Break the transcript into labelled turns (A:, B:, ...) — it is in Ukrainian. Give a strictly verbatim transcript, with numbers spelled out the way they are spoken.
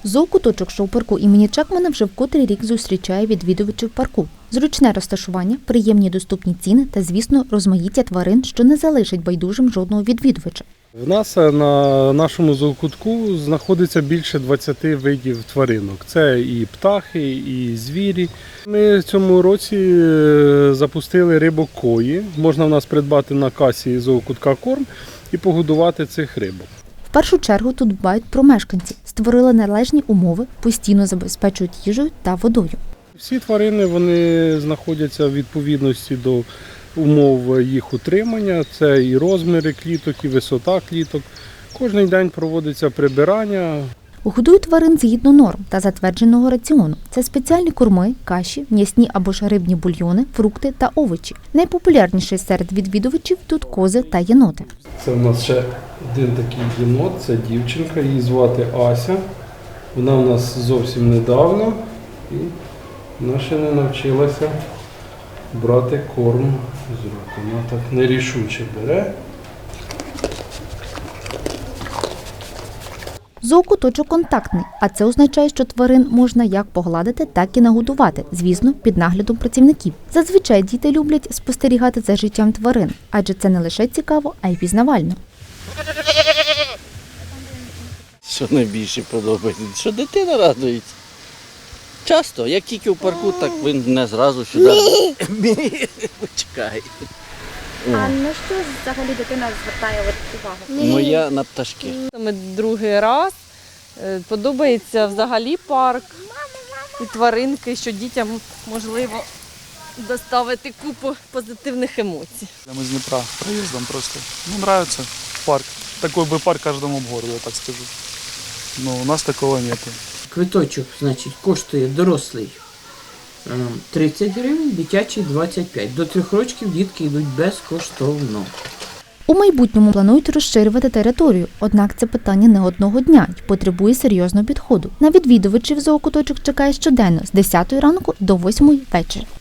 A: Зоокуточок шоу-парку імені Чекмана вже в котрий рік зустрічає відвідувачів парку. Зручне розташування, приємні доступні ціни та, звісно, розмаїття тварин, що не залишить байдужим жодного відвідувача.
B: В нас на нашому зоокутку знаходиться більше двадцяти видів тваринок. Це і птахи, і звірі. Ми в цьому році запустили рибок кої. Можна в нас придбати на касі зоокутка корм і погодувати цих рибок.
A: В першу чергу тут дбають про мешканців, створили належні умови, постійно забезпечують їжею та водою.
B: Всі тварини вони знаходяться в відповідності до умов їх утримання. Це і розміри кліток, і висота кліток. Кожен день проводиться прибирання.
A: Годують тварин згідно норм та затвердженого раціону. Це спеціальні корми, каші, м'ясні або ж рибні бульйони, фрукти та овочі. Найпопулярніші серед відвідувачів тут кози та єноти.
B: Це в нас ще один такий єнот, це дівчинка, її звати Ася. Вона в нас зовсім недавно і вона ще не навчилася брати корм з рук. Вона так нерішуче бере.
A: Зоокуточок контактний, а це означає, що тварин можна як погладити, так і нагодувати, звісно, під наглядом працівників. Зазвичай діти люблять спостерігати за життям тварин, адже це не лише цікаво, а й пізнавально.
C: Що найбільше подобається? Що дитина радується. Часто, як тільки в парку, так він не зразу сюди. Почекай.
D: А на що взагалі дитина звертає увагу?
C: Моя на пташки.
E: Ми другий раз. Подобається взагалі парк і тваринки, що дітям можливо доставити купу позитивних емоцій.
F: Мы с Днепра проездом просто. Ну, нравится парк. Такой бы парк каждому в городе, я так скажу. Но у нас такого нету.
G: Квиточок, значить, коштує дорослий тридцять гривень, дитячий двадцять п'ять. До трьох років дітки йдуть безкоштовно.
A: У майбутньому планують розширювати територію, однак це питання не одного дня і потребує серйозного підходу. На відвідувачів зоокуточок чекає щоденно з десятої ранку до восьмої вечора.